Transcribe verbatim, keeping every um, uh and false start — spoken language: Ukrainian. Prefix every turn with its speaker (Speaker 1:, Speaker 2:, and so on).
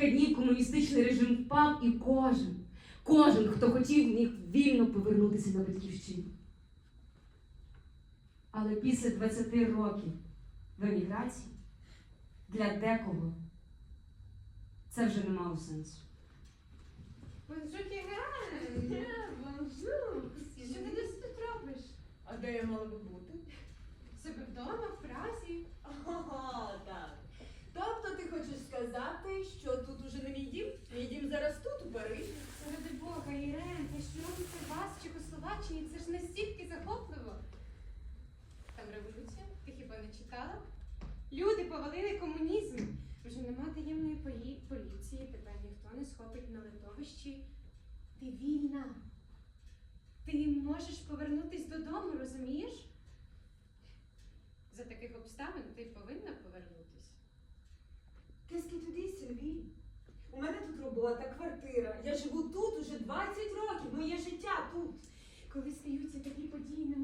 Speaker 1: кілька днів комуністичний режим впав, і кожен, кожен, хто хотів, міг вільно повернутися на батьківщину. Але після двадцяти років в еміграції для декого це вже не мало сенсу.
Speaker 2: Бонжур, Кіган! Бонжур! Що ти десь тут робиш?
Speaker 3: А де я мала би бути?
Speaker 2: Себе вдома, в Празі?
Speaker 3: Ага, так. Тобто ти хочеш сказати, що тут уже не мій дім? Мій дім зараз тут, у Парижі.
Speaker 2: Ради Бога, Ірен, те, що робиться у вас в Чехословаччині, це ж настільки захопливо. Там революція, ти хіба не читала? Люди повалили комунізм. Вже нема таємної полі- поліції, тебе ніхто не схопить на литовищі. Ти вільна. Ти можеш повернутись додому, розумієш? За таких обставин ти повинна повернутись.
Speaker 3: Qu'est-ce que tu dis, Сильві? У мене тут робота, квартира. Я живу тут уже двадцять років, моє життя тут.
Speaker 2: Коли стаються такі події, не